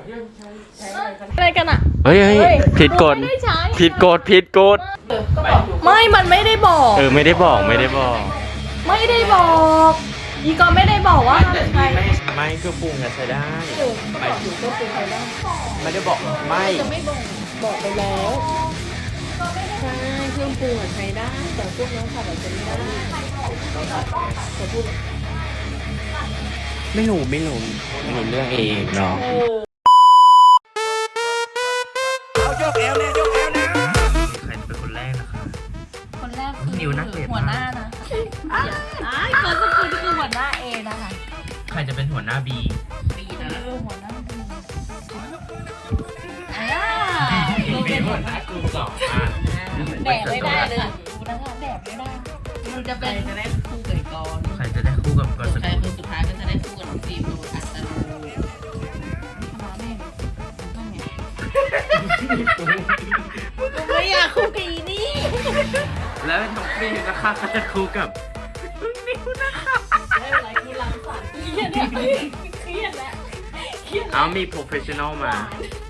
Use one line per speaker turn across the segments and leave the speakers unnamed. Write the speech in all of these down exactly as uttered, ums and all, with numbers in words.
อะไรกันอ่ะ
เฮ้ยเฮ้ยผิดกฎผิดกฎผิดกฎ
ไม่มันไม่ได้บอก
เออไม่ได้บอกไม่ได้บอก
ไม่ได้บอกอีกอไม่ได้บอกว่าใช่
ไม่เครื่องปรุงอะใช้ได้ไม่
อยู่ก็คือใครได้
ไม่ได้บอกไม่
จะไม่บอกบอกไปแล้วใช่เครื่องปรุงอะใช้ได้แต่พวกน้องผัดอาจจะไม่ได้แต่พูด
ไม่รู้ไม่รู้ไม่รู้เรื่องเองเนาะใครเป็นคนแรกนะคะ
คนแรกคือ
นิวนักเรียน
หัวหน้านะอ้ายคนสกุลคือหัวหน้าเอนะคะ
ใครจะเป็นหัวหน้าบี
บีนะหัวหน้าบีอ่า
เป็นหัวหน้ากลุ่มสองอ่ะ
แดดไม่ได้เลยดูนะคะแดดไม่ได้มันจะเป็นจะได้คู่กับกอน
ใครจะได้คู่กับกอนส
ใคร
กุล
คนสุดท้ายก็จะได้คู่กับน้องฟิล์มโดยอัตโนมัติมาแม่นั่นไงไม่อยากคู่กับอีนี่
แล้วน้องฟิล์มนะคะก็จะคู่กับนิวนะคะ
ไม่เป็นไรคือรังสรรค์เครียดเนี่ยเครียดแล้วเครียด
เอามีโปรเฟชชั่นอลมา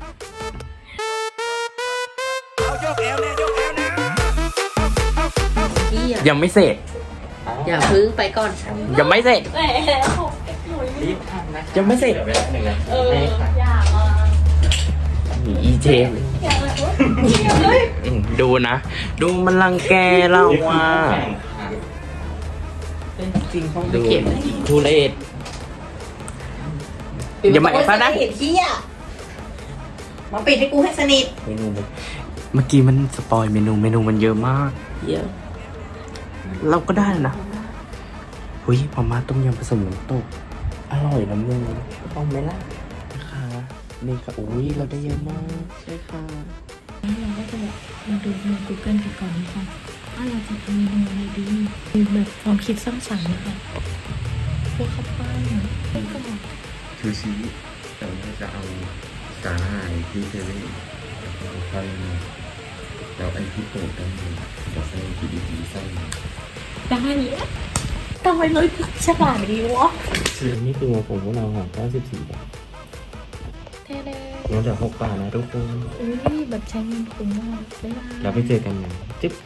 ยังไม่เสร็จ
อย่าพึ่งไปก่อน
ยังไม่เสร็จ
แหม
ยังไม่เสร็จ
เอออยากอ่ะ
อีเจมดูนะ ดูมันรังแกเราอ่ะดูทุเรศอย่ามาแอบนะ
เห็นขี้อ่ะมาปิดให้กูให้สนิท
เมนูเมื่อกี้มันสปอยเมนูเมนูมันเยอะมาก
เยอะ
เราก็ได้นะหุ้ยมาม่าต้มยำผสมน้ำตกอร่อยนะมึง
ต้องไหมล่ะ
ค่ะนี่ค่ะอุ้ยเราได้เยอะมากใช่ค่ะ
เราก็จะแบบมาดูใน Google กันก่อนนะคะว่าเราจะทำเมนูอะไรดีมีแบบความคิดสร้างสรรค์นะคะพวกข้าวปั้นแล้วก็
ซูชิแต่ว่าจะเอาสาหร่ายที่เซเว่นแล้วก็เอาไส้มาแล้วไอ้ที่เปิดได้จะใส่ที่ดีๆไส้มา
ได้ทำไมเลยฉลาดดีวะ
นี่คือของผมพวกเราของเก้าสิบสี่บาท
เท่เลย
ลดจากหกบาทนะทุกคน
อุ้ยแบบใช้เงินคุ้มมากได้ไหม
เราไปเจอกันนะจิ๊บ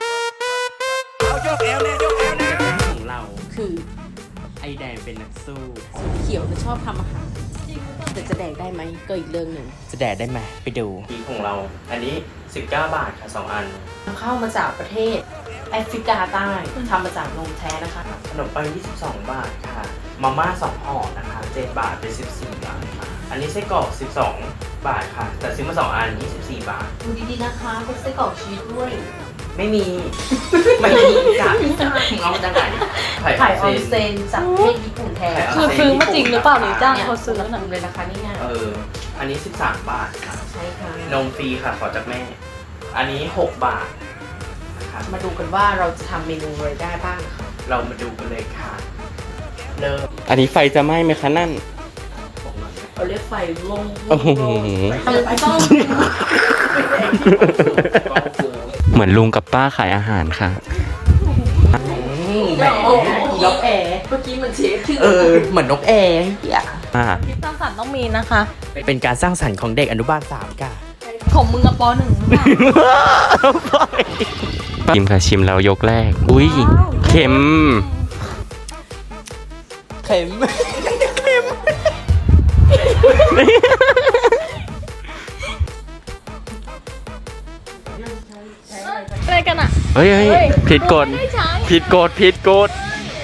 ของเรา
คือ
ไอแดงเป็นนักสู้
เขียวจะชอบทำอาหารแต่จะแดกได้ไหมก็อีกเรื่องหนึ่ง
จะแดดได้ไหมไปดูทีของเรา อันนี้สิบเก้าบาทค่ะสองอัน
เข้ามาจากประเทศแอฟริกาใต้ทำมาจากนมแท้นะคะ
ขนมปังยี่สิบสองบาทค่ะมาม่าสองห่อนะคะเจ็ดบาทเป็นสิบสี่บาทค่ะอันนี้ไส้กรอกสิบสองบาทค่ะแต่ซื้อมาสองอันยี่สิบสี่บาท
ดูดีๆนะคะเป็นไส้กรอกชีสด้วย
ไม่มี ไม่มีจากเอามาจากไหน
ไข่ออนเซนจากประเทศญี่ปุ่นแท้
คือซื้อมาจริงหรือเปล่าหรือจ้าง
เนี่ย
เขาซื้อ
นะ
น่ะ
เลยนะคะนี่ไง
เอออันนี้สิบสามบาทค่ะ
ใช่ค่ะ
นมฟรีค่ะขอจากแม่ อันนี้หกบาทนะคะ
มาดูกันว่าเราจะทำเมนูอะไรได้บ้างนะคะ
เรามาดูกันเลยค่ะเริ่มอันนี้ไฟจะไหม้ไหมคะนั่น
เราเรียกไฟลง
โอ้โห
ต้อง
เหมือนลุงกับป้าขายอาหารค่ะ
นกแอร์เมื่อกี้มันเชฟชื่อ
เออ เหมือนนกแอร์อ่า
คิดสร้างสรรค์ต้องมีนะคะ
เป็นการสร้างสรรค์ของเด็กอนุบาลสามค่ะ
ของมึงกับปหนึ่งหรือเปล่า
ชิมค่ะชิมแล้วยกแรก อุ้ยเค็ม เค็ม เค็ม
อะไรกันอ่ะ
เฮ้ยเฮ้ยผิดกฎ
ไม่ใช้
ผิดกฎผิดกฎ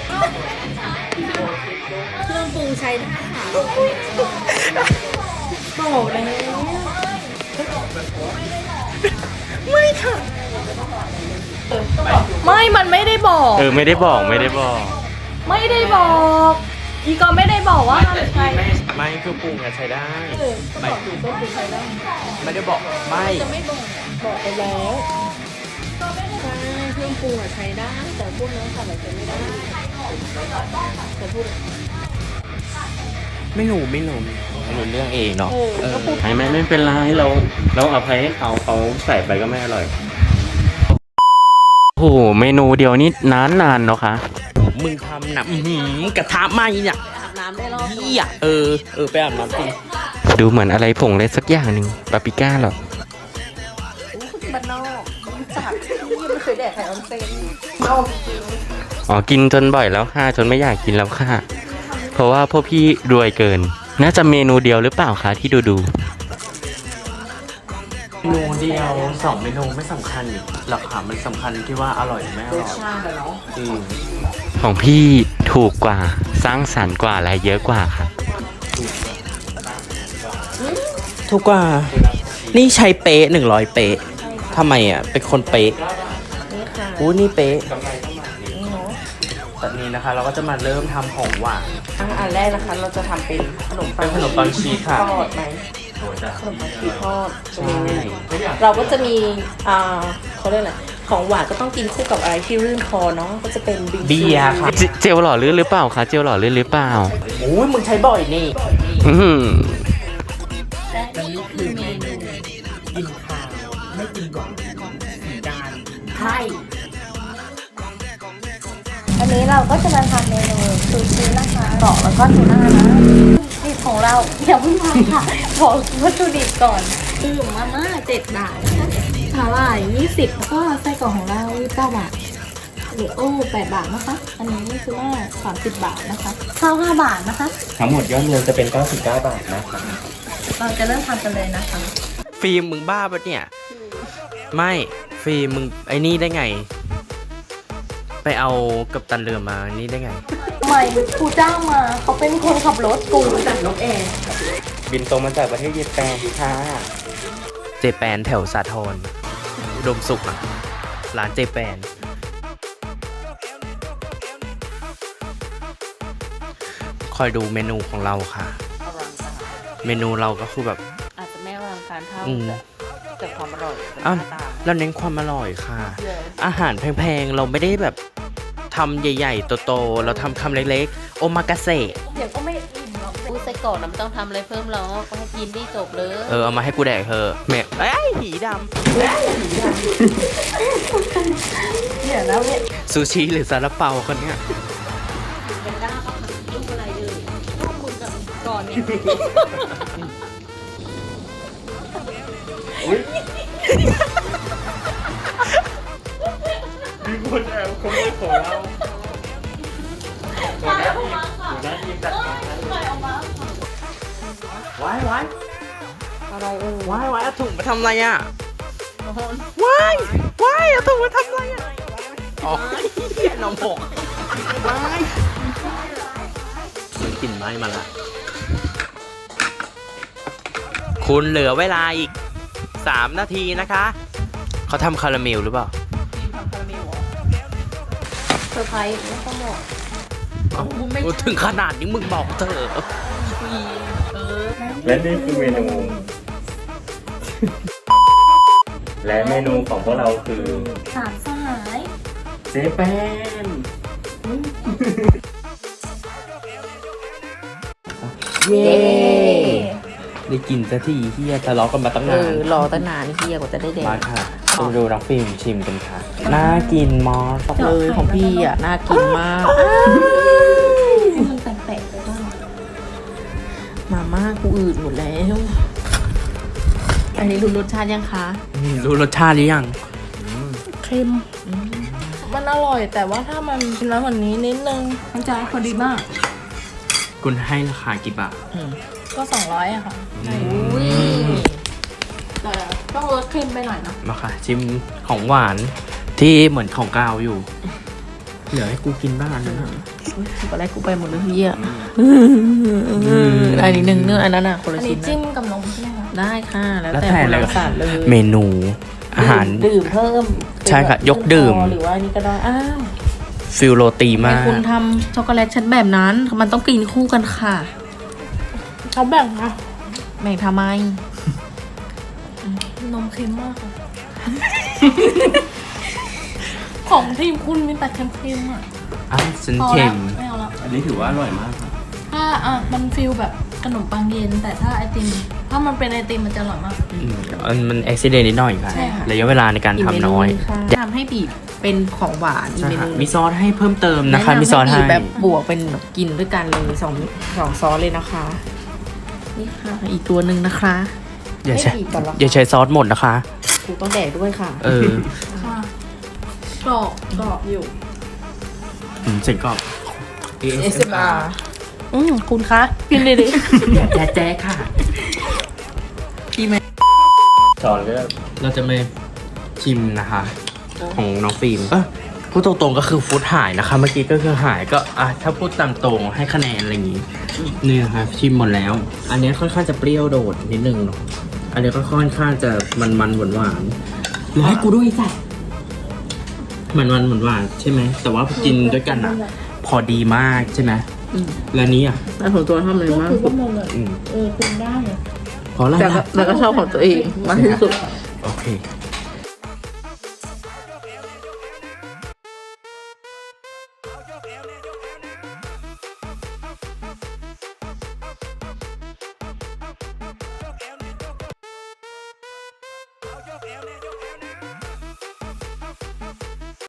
เครื่องปรุงใช้ได้ค่ะ
บอกแล้วไม่ มันไม่ได้บอก
เออไม่ได้บอกไม่ได้บอก
ไม่ได้บอกอีกอไม่ได้บอกว่าใช่
ไม่คือปรุงอะใช้ได้
ไม่บอกอยู่ก็คือใช้ได้
ไม่ได้บอกไม่
จะไม่บอกบอกไปแล้วใช่เครื่องปรุงอะใช้ได้ แต่พวกน้องผัดอาจจะไม่ได้แต่พูด
ไม่รู้ไม่รู้ไม่รู้เรื่องเองเนาะ
เออ
เออ
ก็พูด
ไม่ไม่ไม่เป็นไรเราเราเอาไปให้เขาเขาใส่ไปก็ไม่อร่อย
โอ้โหเมนูเดียวนี่นานนานๆเนาะคะมึงทำนะอื้อหือกระทะไหม้เนี่ย
อาบน้ำได้รอบ
เหี้ยเออเออไปอาบน้ำจริง
ดูเหมือนอะไรผงอะไรสักอย่างหนึ่งปาปริก้าหรอ
บ้านนอกรู้จักที่ไม่เคยแดกไข่ออนเซนนอกจริง
อ๋อ กินจนบ่อยแล้วค่ะ จนไม่อยากกินแล้วค่ะ เพราะว่าพวกพี่รวยเกิน น่าจะเมนูเดียวหรือเปล่าคะที่ดูดู
เมนูเดียวสองเมนูไม่สำคัญหลักฐานมันสำคัญที่ว่าอร่อยหรือไม่อ
ร
ร่
ส
อย
ชาติอะเนาะ
อืม
ของพี่ถูกกว่าสร้างสรรค์กว่าและเยอะกว่าค่ะ
ถูกกว่า นี่ใช้เป๊ะหนึ่งร้อยเป๊ะทำไมอ่ะ เป็นคนเป๊ะ
นี่ค่ะ
อู้นี่เป๊ะ
นี่เนาะ
ตอนนี้นะคะ เราก็จะมาเริ่มทำของหวาน
อ่ะอันแรกนะคะเราจะทำเป็นขนมปั
เป็
ง
นขนมปังชีสค่ะ
ทอดไหมขนมปังชีสทอด
ใช่
เราก็จะมีอ่าเขาเรียกอะไรของหวานก็ต้องกินคู่กับอะไรที่รื่นคอเนาะก็จะเป็นบิงซู
เบียร์ค่ะ
เจเจลหล่อลื่นหรือเปล่าคะ เจลหล่อลื่นหรือเปล่า
โอ้ยมึงใช้บ่อยนี่
อื้อหือ
และนี่คือเมนูกินข้าวไม่กินหวานสีดานใช่
อันนี้เราก็จะมาทำเมนูซูชินะคะกรอกแล้วก็ทูน่านะนี่ของเราอย่าเพิ่งทำค่ะบอกวัตถุดิบก่อนคือมาม่าเจ็ดบาทนะคะสาหร่ายยี่สิบแล้วก็ไส้กรอกของเรายี่สิบเก้าบาทหรือโอ้แปดบาทนะคะ อันนี้คือว่าสามสิบบาทนะคะข้าวห้าบาทนะคะ
ทั้งหมดยอดรวมจะเป็นเก้าสิบเก้าบาทนะครับ
เราจะเริ่มทำกันเลยนะคะ
ฟิล์มมึงบ้าปะเนี่ย ไม่ฟิล์มมึงไอ้นี่ได้ไง ไปเอากัปตันเรือมานี่ได้ไง
ใหม่กูจ้างมาเขาเป็นคนขับรถกูจัดนกแอร์
บินตรงมาจากประเทศเยแปนค่ะ
เจแปนแถวสาทรอุดมสุขอ่ะ ร้านเจแปน คอยดูเมนูของเราค่ะ เมนูเราก็คือแบบ
อาจจะไม่อลังการเท่า
อืม
แต่แต่ความอร่อยเป็น
อ้าว
หน้าตา
เราเน้นความอร่อยค่ะ
เยอะ
อาหารแพงๆ เราไม่ได้แบบทำใหญ่ๆ โตๆ เราทำคำเล็กๆ โอมากาเสะ
เดี๋ยวก็ไม่อิ่มหรอก
พูดไส้กรอกน้ำต้องทำอะไรเพิ่มหรอกก็ให้กินที่จบเลย
เออ เอามาให้กูแดกเธอะแม่เอ้ยหีด
เดี๋ยวแล้วเนี่ย
ำซูชิหรือซาลาเปาคนเนี้ย
ก่อนเนี่ย
มีคนแอบขโมยของเราหัวหน้าทีมหัวหน้าทีมจัดการว้ายว้าย
อะไรเออ
ว้ายว้ายเอาถุงมาทำอะไรอ่ะว้ายว้ายเอาถุงมาทำอะไรอ่ะอ๋อเหี้ยน้องหกว้ายมันกลิ่นไหม้มาละคุณเหลือเวลาอีกสามนาทีนะคะเขาทำคาราเมลหรือเปล่า
เซอร์ไพรส์ไม่ต้องบอก
อ้าวกูถึงขนาดนี้มึงบอกเถอะ
และนี่คือเมนู และเมนูของพวกเราคือ
สามสหาย
เจแปน
เย้ได้กินสักทีเฮียทะเลาะกันมาตั้งาน
เอนอรอตั้งนานเฮียกว่าจะได้แด
มาก ค่ะไปดูน้องฟิล์มชิมกันค่ะ น่ากินมอส
เลยของพี่อ่ะน่ากินมาก
ให้มันแปลกๆไปบ้าง
มาม่ากูอืดหมดแล้ว อันนี้รู้รสชาติยังคะ
อืมรู้รสชาติหรือยัง
เค็ม มันอร่อยแต่ว่าถ้ามันกินแล้วแบบนี้นิดนึง มันจะพอดีมาก
คุณให้ราคากี่บาท
ก็สองร้อยอะค่ะ
อุ้ย
แต่ต้องลดเค็มไปหน่อยนะ
มาค่ะ ชิมของหวานที่เหมือนของกาวอยู่ เหลือให้กูกินบ้างอันนั้นนะ
ตอนแรกกูไปหมดเลยพี่อ่ะอันนี้หนึ่งเนื้ออันนั้นอ่ะคน
อั
ละ
น
ชิ้
นี้
น
จิ้
นะ
มกับนมใช่ไหมคะ
ได้ค่ะ แล้ว
แล้ว
แต่
แต่
คน
เลย
ละสัตว์เลย
เมนูอาหาร
ดื่มเพิ่ม
ใช่ค่ะยกดื่ม
หรือว่าอันนี้ก็ได้อ้าว
ฟิลโรตี
ทำไม
มาก
คุณทำช็อกโกแลตชั้นแบบนั้น มันต้องกินคู่กันค่ะ
เขาแบ่งค่ะ
แบ่งทำไม
นมเค็มมากค่ะ ของทีมคุณมีแต่เค็มๆอ่ะ
อ่ะฉัน
พอ
เค็
แล้ว
ม
ไม่เอาแล้ว
อันนี้ถือว่าอร่อยมากครับ
ถ้าอ่ะมันฟิลแบบขนมปังเย็น แต่ถ้าไอติม ถ้ามันเป็นไอติมมันจะอร่อยมาก
อืมมันมันอุบิเหตุนิดหน่อยค่ะ
ใช่ค่ะ
ระยะเวลาในการ
อีกเม
ทำ
นู
น้อย
หนึ่งค่ะทำให้บีบเป็นของหวานอีก
ใช่
เม
ค่ะ
นู
มีซอสให้เพิ่มเติมนะคะ
แำ
มีซอสให้
บีบแบบบวกเป็นแบบกินด้วยกันเลยสองสองซอสเลยนะคะ
นี่ค่ะ อีกตัวหนึ่งนะคะ
อย่าใช้
ไม่บีบก่อนหรอ
อย่าใช้ซอสหมดนะคะ
กูต้องแดกด้วยค่ะ
เออ
ค่ะกรอบกรอบอยู่
อืมเสียงกรอบ
เอสเอ็มอาร์ อืมคุณคะกินเลยดิ
แจ๊แจ๊ค่ะ
สอนก็เราจะมาชิมนะคะ ของน้องฟิล์มเอ้ยพูดตรงๆก็คือฟุตหายนะคะ เมื่อกี้ก็คือหายก็อ่ะถ้าพูดตามตรงให้คะแนนอะไรอย่างงี้นี่นะคะชิมหมดแล้ว อันนี้ค่อนข้างจะเปรี้ยวโดดนิดนึงเนาะอันนี้ก็ค่อนข้างจะมันๆหวานๆแล้วให้กูด้วยจ้ะมันๆหวานๆใช่ไหมแต่ว่ากินด้วยกันอ่ะ พอดีมากใช่ไหมแล้วนี้อ่ะ
แล้วของตัวทำอะไรมากสุด
อืม
เออคุณได้
เพราะอะไร
แต่ก็
ล่ะ
แต่ก็ชอบของตัวเองมากที่สุด
โอเค